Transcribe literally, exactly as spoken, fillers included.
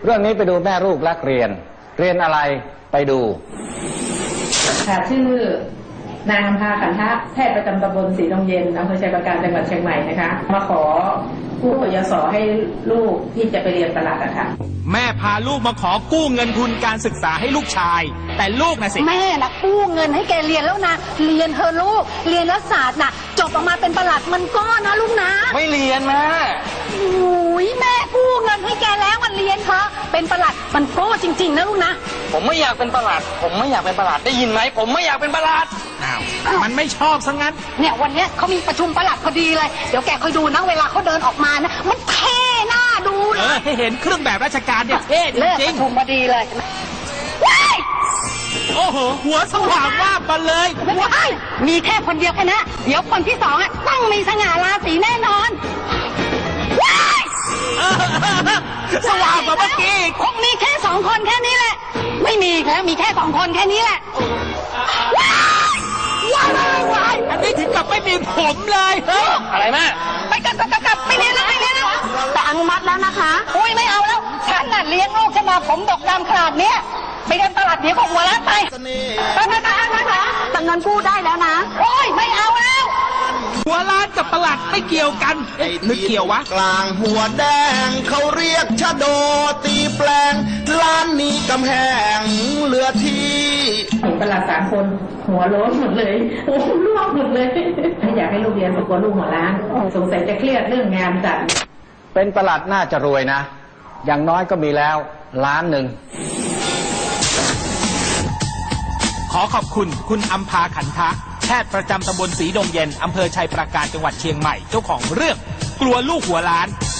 เรื่องนี้ไปดูแม่ลูกรักเรียนเรียนอะไรไปดูค่ะชื่อนางอำภาขันทะแพทย์ประจำตำบลศรีดงเย็นอำเภอชัยปราการจังหวัดเชียงใหม่นะคะมาขอกู้กยศให้ลูกที่จะไปเรียนตลาดอะค่ะแม่พาลูกมาขอกู้เงินทุนการศึกษาให้ลูกชายแต่ลูกนะสิแม่นะกู้เงินให้แกเรียนแล้วนะเรียนเธอลูกเรียนรัฐศาสตร์นะจบออกมาเป็นประหลัดมันก็นะลูกนะไม่เรียนแม่โอ้ยแม่กู้เงินให้แกแล้วมันเรียนเถอะเป็นประหลัดมันก็จริงๆนะลูกนะผมไม่อยากเป็นประหลัดผมไม่อยากเป็นประหลัดได้ยินไหมผมไม่อยากเป็นประหลัดอ้าวมันไม่ชอบซะงั้นเนี่ยวันนี้เขามีประชุมประหลัดพอดีเลยเดี๋ยวแกคอยดูนะเวลาเขาเดินออกมานะมันเท่หน้าดูเลยเออให้เห็นเครื่องแบบราชการเนี่ยเท่จริงๆประชุมพอดีเลยโอ้โหหัวสว่างว่าบมาเลยว้ายมีแค่คนเดียวแค่นั้นเดี๋ยวคนที่สองอ่ะต้องมีสง่าราศีแน่นอนว้ายสว่างกว่าเมื่อกี้คงมีแค่สองคนแค่นี้แหละไม่มีแล้วมีแค่สองคนแค่นี้แหละว้ายว้ายว้ายอันนี้ถึงกับไม่มีผมเลยเฮ้ยอะไรแม่ไปกลับกลับกลับไปเรียนแล้วไปเรียนแล้วแต่อนุมัติแล้วนะคะอุ้ยไม่เอาแล้วฉันน่ะเลี้ยงลูกฉันมาผมดกดำขนาดเนี้ยไปเรียนตลาดเดี๋ยวก็หัวล้านไปไปไปไปไปไปแต่เงินกู้ได้แล้วนะโอ้ยไม่เอาแล้วหัวล้านกับประหลัดไม่เกี่ยวกันหรือเกี่ยววะกลางหัวแดงเขาเรียกชะโดตีแปลงล้านนี้กำแหงเหลือที่เห็นประหลัดสามคนหัวโล้นหมดเลยโอ้ร่วงหมดเลยไม่อยากให้ลูกเรียนปรากฏลูกหัวล้านสงสัยจะเครียดเรื่องงานจัดเป็นประหลัดน่าจะรวยนะอย่างน้อยก็มีแล้วล้านหนึ่งขอขอบคุณคุณอัมพาขันทะแพทย์ประจำตำบลศรีดงเย็นอำเภอชัยปราการจังหวัดเชียงใหม่เจ้าของเรื่องกลัวลูกหัวล้าน